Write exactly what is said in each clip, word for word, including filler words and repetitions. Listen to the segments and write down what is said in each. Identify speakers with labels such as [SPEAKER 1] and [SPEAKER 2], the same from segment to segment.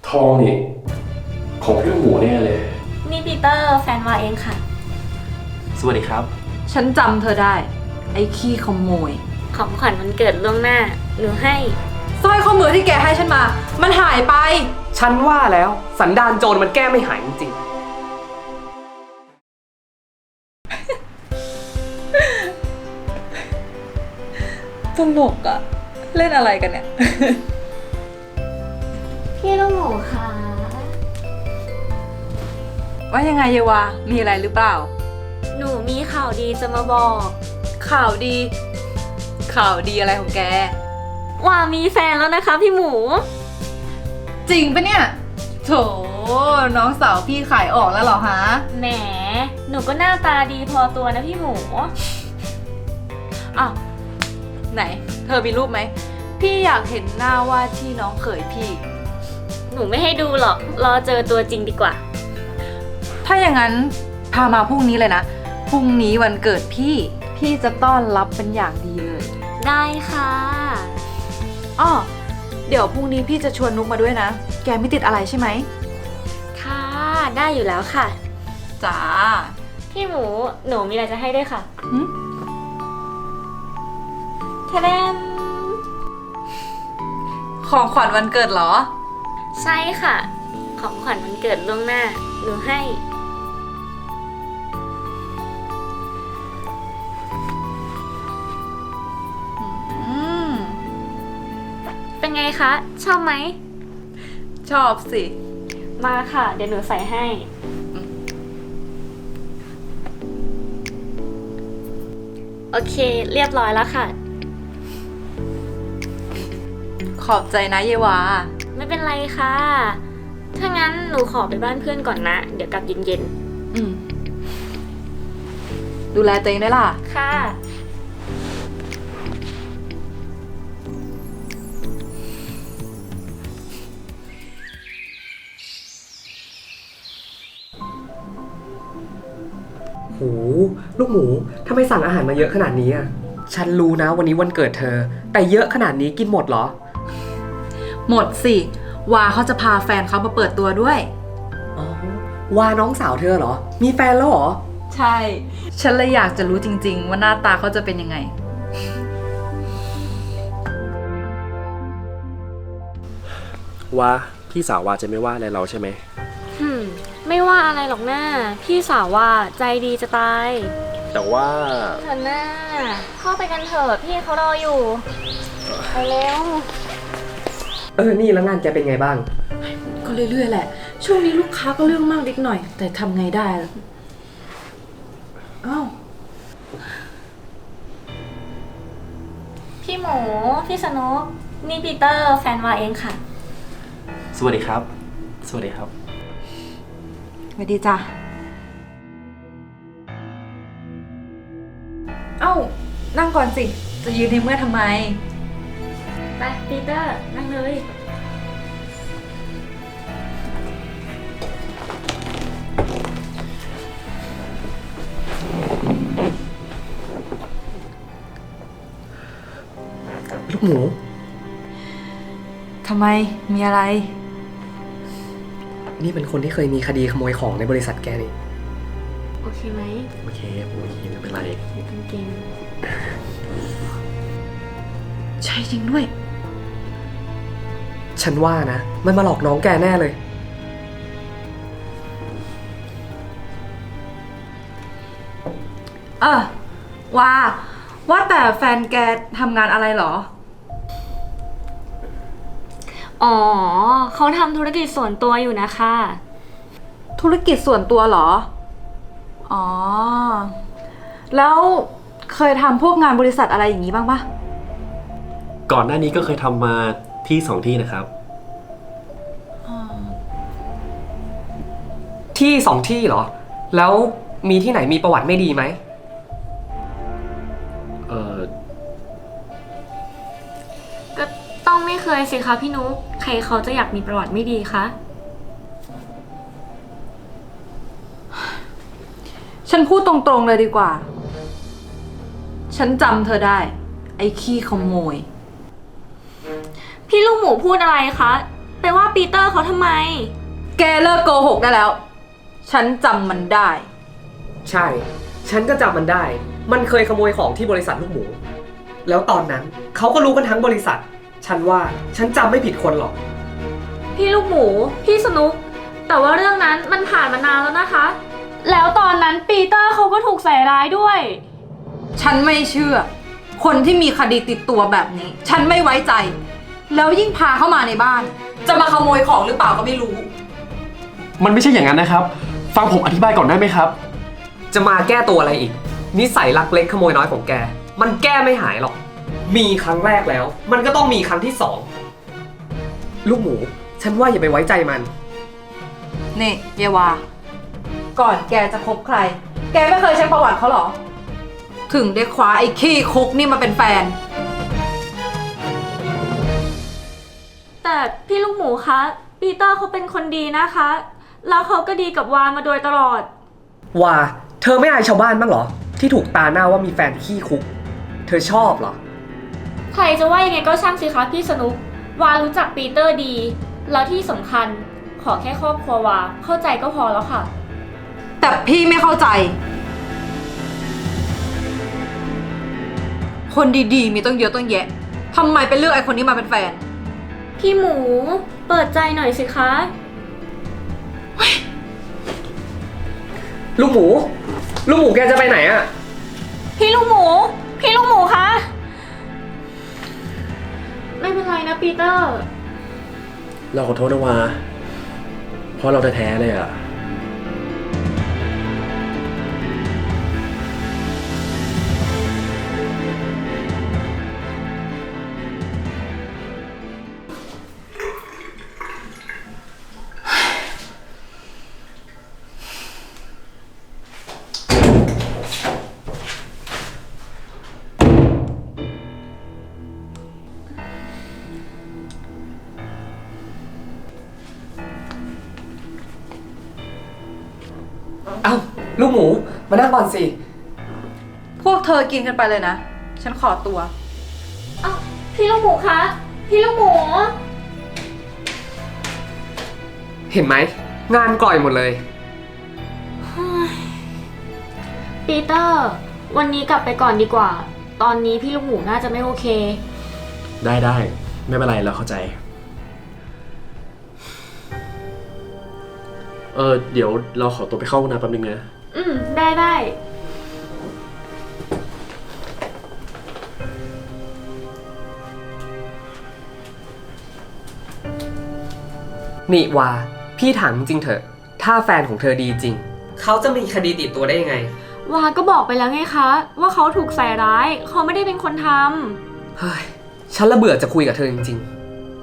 [SPEAKER 1] ทองนี่ของพี่ลูกหมูแน่เลย
[SPEAKER 2] นี่ปีเตอร์แฟนวาเองค่ะ
[SPEAKER 1] สวัสดีครับ
[SPEAKER 3] ฉันจำเธอได้ ไอ้ขี้ขโมย
[SPEAKER 2] ของขวัญวันเกิดล่วงหน้า หนูให้
[SPEAKER 3] สร้อยข้อมือที่แกให้ฉันมา มันหายไป
[SPEAKER 4] ฉันว่าแล้วสันดานโจรมันแก้ไม่หายจริง
[SPEAKER 3] ตลกอะเล่นอะไรกันเนี่ย
[SPEAKER 2] พี่ลูกหมูค่ะ
[SPEAKER 3] ว่ายังไงเยวามีอะไรหรือเปล่า
[SPEAKER 2] หนูมีข่าวดีจะมาบอก
[SPEAKER 3] ข่าวดี ข่าวดีอะไรของแก
[SPEAKER 2] ว่ามีแฟนแล้วนะคะพี่หมู
[SPEAKER 3] จริงปะเนี่ย โถ น้องสาวพี่ขายออกแล้วเหรอฮะ
[SPEAKER 2] แหม หนูก็หน้าตาดีพอตัวนะพี่หมู
[SPEAKER 3] อ้าว ไหน เธอมีรูปไหม พี่อยากเห็นหน้าว่าที่น้องเขยพี่
[SPEAKER 2] หนูไม่ให้ดูหรอก รอเจอตัวจริงดีกว่า
[SPEAKER 3] ถ้าอย่างนั้นพามาพรุ่งนี้เลยนะ พรุ่งนี้วันเกิดพี่ พี่จะต้อนรับเป็นอย่างดีเลย
[SPEAKER 2] ได้ค่ะ
[SPEAKER 3] อ้อ เดี๋ยวพรุ่งนี้พี่จะชวนนุกมาด้วยนะ แกไม่ติดอะไรใช่ไหม
[SPEAKER 2] ค่ะ ได้อยู่แล้วค่ะ
[SPEAKER 3] จ้า
[SPEAKER 2] พี่หมู หนูมีอะไรจะให้ด้วยค่ะ
[SPEAKER 3] หึ
[SPEAKER 2] ทะเลม
[SPEAKER 3] ของขวัญวันเกิดเหรอ
[SPEAKER 2] ใช่ค่ะ ของขวัญวันเกิดล่วงหน้า หนูให้
[SPEAKER 3] อืม
[SPEAKER 2] เป็นไงคะ ชอบไหม
[SPEAKER 3] ชอบสิ
[SPEAKER 2] มาค่ะ เดี๋ยวหนูใส่ให้ โอเค เรียบร้อยแล้วค่ะ
[SPEAKER 3] ขอบใจนะเยวา
[SPEAKER 2] ไม่เป็นไรค่ะ ถ้างั้นหนูขอไปบ้านเพื่อนก่อนนะ เดี๋ยวกลับเย็น
[SPEAKER 3] อืม ดูแลตัวเองด้วยล่ะ
[SPEAKER 2] ๆ ค่ะ
[SPEAKER 4] ๆ หูลูกหมูทำไมสั่งอาหารมาเยอะขนาดนี้อ่ะ ฉันรู้นะวันนี้วันเกิดเธอ แต่เยอะขนาดนี้กินหมดเหรอ
[SPEAKER 3] หมดสิ วาเขาจะพาแฟนเขามาเปิดตัวด้วย
[SPEAKER 4] อ๋อ ว่าน้องสาวเธอเหรอ มีแฟนแล้วเหรอ
[SPEAKER 3] ใช่ ฉันเลยอยากจะรู้จริงๆ ว่าหน้าตาเขาจะเป็นยังไง
[SPEAKER 1] ว่าพี่สาววาจะไม่ว่าอะไรเราใช่ไหม
[SPEAKER 2] หืม ไม่ว่าอะไรหรอกหน้า พี่สาวว่าใจดีจะตาย
[SPEAKER 1] แต่ว่า
[SPEAKER 2] เถอะหน้า เข้าไปกันเถอะพี่เขารออยู่ ไปเร็ว
[SPEAKER 4] เออ นี่แล้วงานแกเป็นไงบ้าง
[SPEAKER 3] ก็เรื่อยๆแหละ ช่วงนี้ลูกค้าก็เรื่องมากนิดหน่อย แต่ทำไงได้ล่ะอ้าว
[SPEAKER 2] พี่หมู พี่สนุก นี่ปีเตอร์แฟนวาเองค่ะ
[SPEAKER 1] สวัสดีครับ สวัสดีครับ
[SPEAKER 3] สวัสดีจ้ะ เอ้า นั่งก่อนสิ จะยืนในเมื่อทำไม
[SPEAKER 2] ไปปีเตอร์ นั่งเลย
[SPEAKER 4] ลูกหมู
[SPEAKER 3] ทำไม มีอะไร
[SPEAKER 4] นี่เป็นคนที่เคยมีคดีขโมยของในบริษัทแกนี่
[SPEAKER 2] โอเคไหม
[SPEAKER 1] โอเคโอเคไม่เป็นไร
[SPEAKER 2] ไม่ต้องเกรง
[SPEAKER 3] ใช่จริงด้วย
[SPEAKER 4] ฉันว่านะ มันมาหลอกน้องแกแน่เลย
[SPEAKER 3] เออว่า ว่าแต่แฟนแกทำงานอะไรเหรอ
[SPEAKER 2] อ๋อ เขาทำธุรกิจส่วนตัวอยู่นะคะ
[SPEAKER 3] ธุรกิจส่วนตัวเหรอ อ๋อ แล้วเคยทำพวกงานบริษัทอะไรอย่างนี้บ้างปะ
[SPEAKER 1] ก่อนหน้านี้ก็เคยทำมาที่สองที่นะครับ
[SPEAKER 4] ที่สองที่เหรอ แล้วมีที่ไหนมีประวัติไม่ดีไหม
[SPEAKER 1] เออ
[SPEAKER 2] ก็ต้องไม่เคยสิคะพี่นุ๊ก ใครเขาจะอยากมีประวัติไม่ดีคะ
[SPEAKER 3] ฉันพูดตรงๆเลยดีกว่า ฉันจำเธอได้ ไอ้ขี้ขโมย
[SPEAKER 2] พี่ลูกหมูพูดอะไรคะไปว่าปีเตอร์เขาทำไม
[SPEAKER 3] แกเลิกโกหกได้แล้ว ฉันจำมันได้
[SPEAKER 4] ใช่ ฉันก็จำมันได้ มันเคยขโมยของที่บริษัทลูกหมู แล้วตอนนั้นเขาก็รู้กันทั้งบริษัท ฉันว่าฉันจำไม่ผิดคนหรอก
[SPEAKER 2] พี่ลูกหมู พี่สนุก แต่ว่าเรื่องนั้นมันผ่านมานานแล้วนะคะ แล้วตอนนั้นปีเตอร์เขาก็ถูกใส่ร้ายด้วย
[SPEAKER 3] ฉันไม่เชื่อ คนที่มีคดีติดตัวแบบนี้ ฉันไม่ไว้ใจ แล้วยิ่งพาเข้ามาในบ้าน จะมาขโมยของหรือเปล่าก็ไม่รู้
[SPEAKER 1] มันไม่ใช่อย่างนั้นนะครับ ฟังผมอธิบายก่อนได้ไหมครับ
[SPEAKER 4] จะมาแก้ตัวอะไรอีก นิสัยลักเล็กขโมยน้อยของแก มันแก้ไม่หายหรอก มีครั้งแรกแล้ว มันก็ต้องมีครั้งที่สอง ลูกหมู ฉันว่าอย่าไปไว้ใจมัน
[SPEAKER 3] นี่เยวา ก่อนแกจะคบใคร แกไม่เคยเช็คประวัติเขาหรอ ถึงได้คว้าไอ้ขี้คุกนี่มาเป็นแฟน
[SPEAKER 2] แต่พี่ลูกหมูคะ ปีเตอร์เขาเป็นคนดีนะคะ แล้วเขาก็ดีกับวามาโดยตลอด
[SPEAKER 4] ว่า เธอไม่อายชาวบ้านบ้างเหรอ ที่ถูกตาหน้าว่ามีแฟนขี้คุก เธอชอบเหรอ
[SPEAKER 2] ใครจะว่ายังไงก็ช่างสิคะพี่สนุก วารู้จักปีเตอร์ดี แล้วที่สำคัญขอแค่ครอบครัววาเข้าใจก็พอแล้วค่ะ
[SPEAKER 3] แต่พี่ไม่เข้าใจ คนดีๆ มีต้องเยอะต้องแยะทำไมเป็นเลือกไอ้คนนี้มาเป็นแฟน
[SPEAKER 2] พี่หมู เปิดใจหน่อยสิคะ
[SPEAKER 4] ลูกหมู ลูกหมูแกจะไปไหนอะ
[SPEAKER 2] พี่ลูกหมู พี่ลูกหมูคะ ไม่เป็นไรนะปีเตอร์
[SPEAKER 1] เราขอโทษนะวาเพราะเราแท้ๆเลยอะ
[SPEAKER 4] เอ้า ลูกหมู มานั่งก่อนสิ
[SPEAKER 3] พวกเธอกินกันไปเลยนะ ฉันขอตัว
[SPEAKER 2] เอ้าพี่ลูกหมูคะ พี่ลูกหมู
[SPEAKER 4] เห็นไหม งานกล่อยหมดเลย
[SPEAKER 2] ปีเตอร์ วันนี้กลับไปก่อนดีกว่า ตอนนี้พี่ลูกหมูน่าจะไม่โอเค
[SPEAKER 1] ได้ได้ไม่เป็นไรเราเข้าใจ เออเดี๋ยวเราขอตัวไปเข้าห้องน้ำแป๊บนึงนะ
[SPEAKER 2] อืม ได้ได้
[SPEAKER 4] นี่วา พี่ถามจริงๆเถอะ ถ้าแฟนของเธอดีจริง เขาจะมีคดีติดตัวได้ยังไง
[SPEAKER 2] วาก็บอกไปแล้วไงคะ ว่าเขาถูกใส่ร้าย เขาไม่ได้เป็นคนทำ
[SPEAKER 4] เฮ้ย ฉันละเบื่อจะคุยกับเธอจริงๆ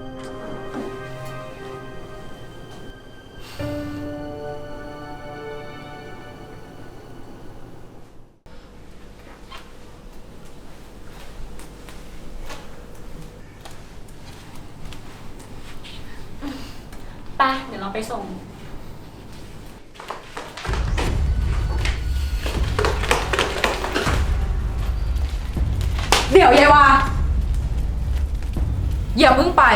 [SPEAKER 2] ไป เดี๋ยวเราไปส่ง
[SPEAKER 3] เดี๋ยวเยวา อย่าเพิ่งไป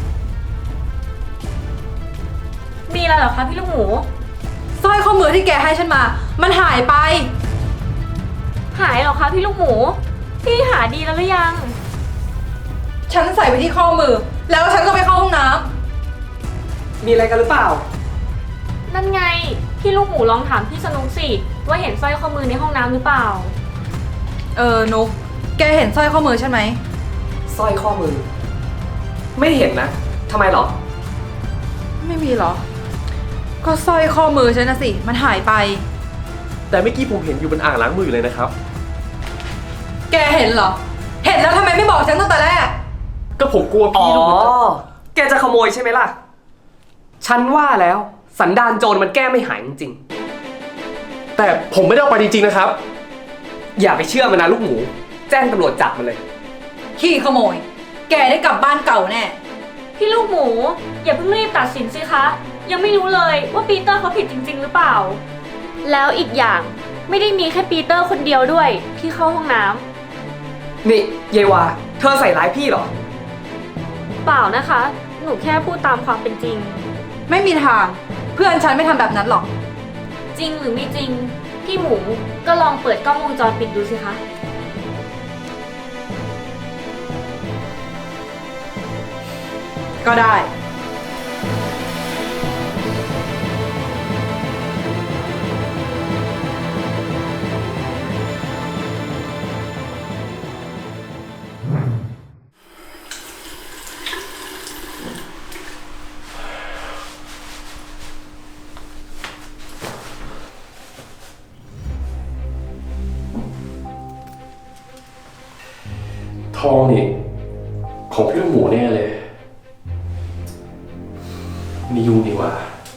[SPEAKER 2] มีอะไรเหรอคะพี่ลูกหมู
[SPEAKER 3] สร้อยข้อมือที่แกให้ฉันมา มันหายไป
[SPEAKER 2] หายเหรอคะพี่ลูกหมู พี่หาดีแล้วหรือยัง
[SPEAKER 3] ฉันใส่ไปที่ข้อมือ แล้วฉันก็ไปเข้าห้องน้
[SPEAKER 4] มีอะไรกันหรือเปล่า
[SPEAKER 2] นั่นไง พี่ลูกหมูลองถามพี่สนุกสิ ว่าเห็นสร้อยข้อมือในห้องน้ำหรือเปล่า
[SPEAKER 3] ำเออ นุก แกเห็นสร้อยข้อมือฉันไหม
[SPEAKER 4] สร้อยข้อมือ ไม่เห็นนะ ทำไมหรอ
[SPEAKER 3] ไม่มีเหรอ ก็สร้อยข้อมือฉันนะสิ มันหายไป
[SPEAKER 1] แต่เมื่อกี้ผมเห็นอยู่บนอ่างล้างมืออยู่เลยนะครับ
[SPEAKER 3] แกเห็นเหรอ เห็นแล้วทำไมไม่บอกฉันตั้งแต่แรก
[SPEAKER 1] ก็ผมกลัว
[SPEAKER 4] อ๋อ
[SPEAKER 1] พี่ดูเหมือนจะ
[SPEAKER 4] แกจะขโมยใช่ไหมล่ะ ฉันว่าแล้ว สันดานโจรมันแก้ไม่หายจริง
[SPEAKER 1] แต่ผมไม่ได้เอาไปจริงๆนะครับ
[SPEAKER 4] ๆ อย่าไปเชื่อมันนะลูกหมู แจ้งตำรวจจับมันเลย
[SPEAKER 3] ขี้ขโมย แกได้กลับบ้านเก่าแน่
[SPEAKER 2] พี่ลูกหมู อย่าเพิ่งรีบตัดสินสิคะ ยังไม่รู้เลยว่าปีเตอร์เขาผิดจริง ๆ หรือเปล่า แล้วอีกอย่างไม่ได้มีแค่ปีเตอร์คนเดียวด้วยที่เข้าห้องน้ำ
[SPEAKER 4] นี่เยวา เธอใส่ร้ายพี่เหรอ
[SPEAKER 2] เปล่านะคะหนูแค่พูดตามความเป็นจริง
[SPEAKER 3] ไม่มีทาง เพื่อนฉันไม่ทำแบบนั้นหรอก
[SPEAKER 2] จริงหรือไม่จริง พี่หมูก็ลองเปิดกล้องวงจรปิดดูสิคะ
[SPEAKER 3] ก็ได้
[SPEAKER 1] ทองนี่ของพี่ลูกหมูแน่เลย มียุงดีกว่า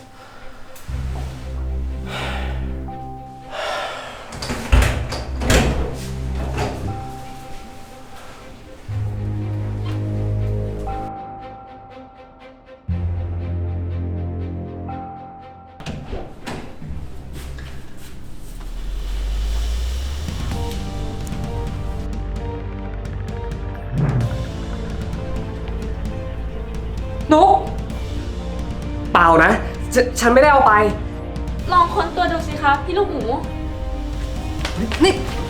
[SPEAKER 3] นุก
[SPEAKER 4] เปล่านะฉฉันไม่ได้เอาไป
[SPEAKER 2] ลองค้นตัวดูสิคะพี่ลูกหมู
[SPEAKER 3] นี่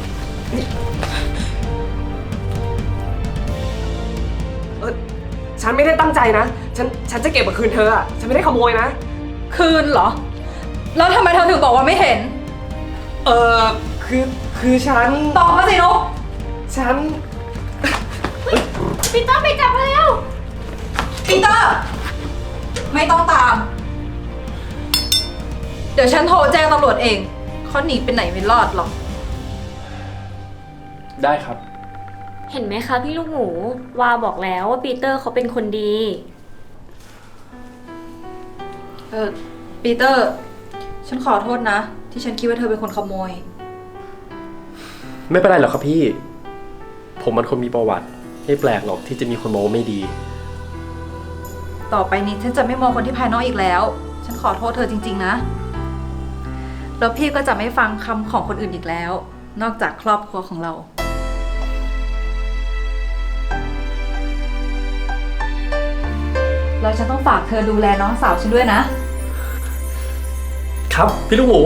[SPEAKER 4] เออฉันไม่ได้ตั้งใจนะ ฉัน ฉันจะเก็บมาคืนเธออะฉันไม่ได้ขโมยนะ
[SPEAKER 3] คืนเหรอ แล้วทำไมเธอถึงบอกว่าไม่เห็น
[SPEAKER 4] เออคือ คือฉัน
[SPEAKER 3] ตอบมาสินุก
[SPEAKER 4] ฉัน
[SPEAKER 2] ปีเตอร์ไปจับมาแล้ว
[SPEAKER 3] ปีเตอร์ ไม่ต้องตาม เดี๋ยวฉันโทรแจ้งตำรวจเองเขาหนีไปไหนไม่รอดหรอก
[SPEAKER 1] ได้ครับ
[SPEAKER 2] เห็นไหมคะพี่ลูกหมูวาบอกแล้วว่าปีเตอร์เขาเป็นคนดี
[SPEAKER 3] เออปีเตอร์ ฉันขอโทษนะ ที่ฉันคิดว่าเธอเป็นคนขโมย
[SPEAKER 1] ไม่เป็นไรหรอกครับพี่ ผมมันคนมีประวัติ ไม่แปลกหรอกที่จะมีคนมองว่าไม่ดี
[SPEAKER 3] ต่อไปนี้ฉันจะไม่มองคนที่ภายนอกอีกแล้ว ฉันขอโทษเธอจริงๆนะ แล้วพี่ก็จะไม่ฟังคำของคนอื่นอีกแล้ว นอกจากครอบครัวของเรา แล้วฉันต้องฝากเธอดูแลน้องสาวฉันด้วยนะ
[SPEAKER 1] ครับ พี่ลูกหมู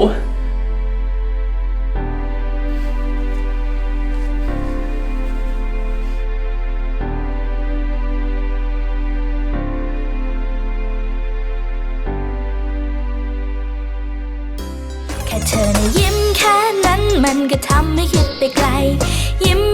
[SPEAKER 5] แค่เธอนะยิ้มแค่นั้นมันก็ทำให้คิดไปไกล ยิ้ม